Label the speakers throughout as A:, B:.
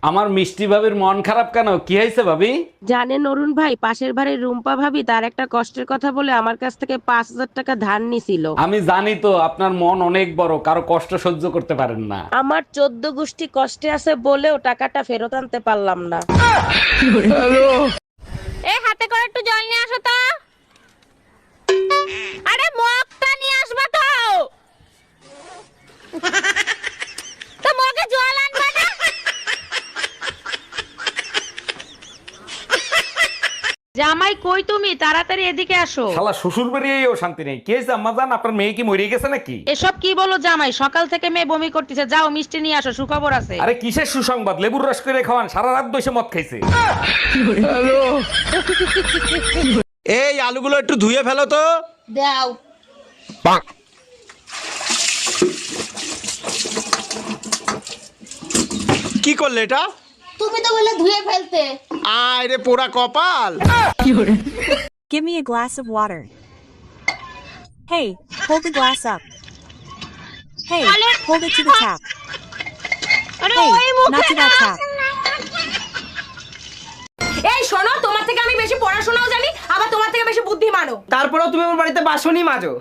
A: আমার মিষ্টি ভাবির মন খারাপ কেন? কি হয়েছে ভাবি?
B: জানেন অরুণ ভাই, পাশের বাড়ির রুম্পা ভাবি তার একটা কষ্টের কথা বলে আমার কাছ থেকে 5,000 টাকা ধার নিছিল।
A: আমি জানি তো আপনার মন অনেক বড়, কারো কষ্ট সহ্য করতে পারেন না।
B: আমার 14 গোষ্ঠী কষ্টে আছে বলেও টাকাটা ফেরত আনতে পারলাম না।
C: এ হাতে করে একটু জল নিয়ে আসো তো। আরে মগটা নিয়ে আসবা তো। তো মগে জল আনবা না।
B: জামাই কই তুমি? তাড়াতাড়ি এদিকে আসো।
A: শালা শ্বশুর বাড়িয়েও শান্তি নেই। কি হয়েছে আম্মা জান, আপনার মেয়ে কি মরে গেছে নাকি?
B: এসব কি বলো জামাই? সকাল থেকে মেয়ে বমি করতেছে, যাও মিষ্টি নিয়ে আসো, সুখবর আছে।
A: আরে কিসের সুসংবাদ? লেবুর রস করে খাওয়ান, সারা রাত বসে মদ খাইছে।
D: এই আলুগুলো একটু ধুয়ে ফেলো তো।
C: দাও।
D: কি করলে এটা?
C: তুমি তো বলে ধুয়ে ফেলতে।
D: আয় রে পোড়া কপাল।
E: Give me a glass of water. Hey, hold the glass up. Hey, hold it to the tap.
C: আরে
E: Hey,
C: ওই মুখে
E: not to that tap.
C: এই শোনো, তোমার থেকে আমি বেশি পড়াশোনাও জানি, আবার তোমার থেকে বেশি বুদ্ধিমানও।
F: তারপরেও তুমি আমার বাড়িতে বাসনই মাজো।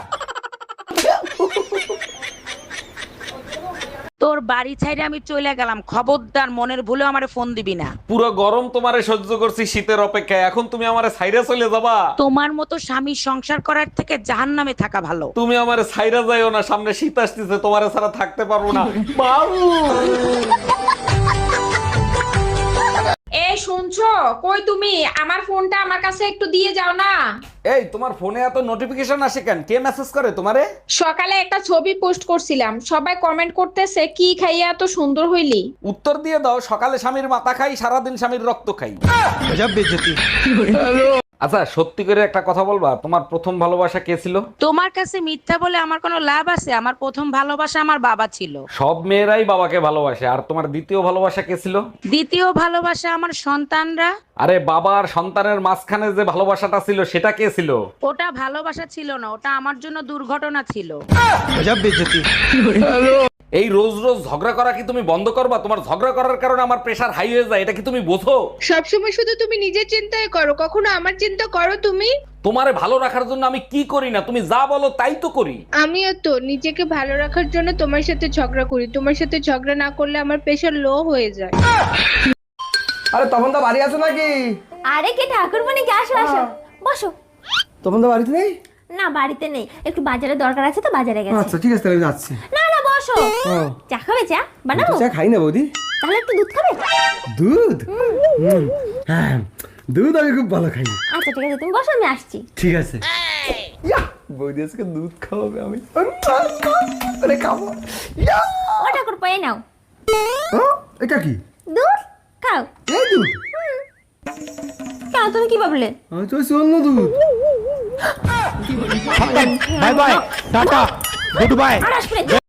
B: তোর বাড়ি ছাইরে আমি চলে গেলাম, খবরদার মনের ভুলে আমারে ফোন দিবি না।
A: পুরো গরম তোমারে সহ্য করছি শীতের অপেক্ষায়, এখন তুমি আমারে ছাইরা চলে যাবা?
B: তোমার মতো স্বামী সংসার করার থেকে জাহান্নামে থাকা ভালো।
A: তুমি আমারে ছাইরা যাইও না, সামনে শীত আসতেছে, তোমারে ছাড়া থাকতে পারবো না। বাবু
G: এই শুনছো? কই তুমি? আমার ফোনটা আমার কাছে একটু দিয়ে যাও না।
A: এই তোমার ফোনে এত নোটিফিকেশন আসে কেন? কে মেসেজ করে তোমারে?
G: সকালে একটা ছবি পোস্ট করছিলাম, সবাই কমেন্ট করতেছে কি খাইয়া এত সুন্দর হইলি।
A: উত্তর দিয়ে দাও, সকালে স্বামীর মাথা খাই, সারাদিন স্বামীর রক্ত খাই। আচ্ছা সত্যি করে একটা কথা বলবা, তোমার প্রথম ভালোবাসা কে ছিল?
B: তোমার কাছে মিথ্যা বলে আমার কোনো লাভ আছে? আমার প্রথম ভালোবাসা আমার বাবা ছিল।
A: সব মেয়েরাই বাবাকে ভালোবাসে। আর তোমার দ্বিতীয় ভালোবাসা কে ছিল?
B: দ্বিতীয় ভালোবাসা আমার সন্তানরা।
A: আরে বাবা আর সন্তানের মাঝখানে যে ভালোবাসাটা ছিল সেটা কে ছিল?
B: ওটা ভালোবাসা ছিল না, ওটা আমার জন্য দুর্ঘটনা ছিল।
A: এই রোজ রোজ ঝগড়া করা কি তুমি বন্ধ করবা? তোমার ঝগড়া করার কারণে আমার প্রেশার হাই হয়ে যায়, এটা কি তুমি বোঝো?
G: সবসময় শুধু তুমি নিজের চিন্তাই করো, কখনো আমার চিন্তা করো তুমি?
A: তোমারে ভালো রাখার জন্য আমি কি করি না, তুমি যা বলো তাই তো করি।
G: আমিও তো নিজেকে ভালো রাখার জন্য তোমার সাথে ঝগড়া করি, তোমার সাথে ঝগড়া না করলে আমার প্রেশার লো হয়ে যায়।
F: আরে তখন তো বাড়ি আছো নাকি?
C: আরে কে ঠাকুরমণি, কে আসো আসো, বসো।
F: তখন তো বাড়িতে নেই?
C: না বাড়িতে নেই, একটু বাজারে দরকার আছে তো বাজারে গেছে।
F: আচ্ছা ঠিক আছে, তাহলে আমি যাচ্ছি।
C: না না বসো। চা খাবে? চা বানাবো?
F: চা খাই না বৌদি।
C: তাহলে একটু দুধ খাবে?
F: দুধ? হ্যাঁ, দুধ আমি খুব ভালো খাই।
C: আচ্ছা ঠিক আছে, তুমি বসো, আমি আসছি।
F: ঠিক আছে। ইয়া, বৌদি আজকে দুধ খাওয়াবে, আমি আরে খাবো। ইয়া!
C: ও ঠাকুর পায়ে নাও
F: ও, এটা কি?
C: দুধ খাও।
F: এই দুধ?
C: কেন, তুমি কি ভাবলে?
F: আমি তো অন্য দুধ।
D: Bye bye, tata, good bye.
C: আর আসবে না।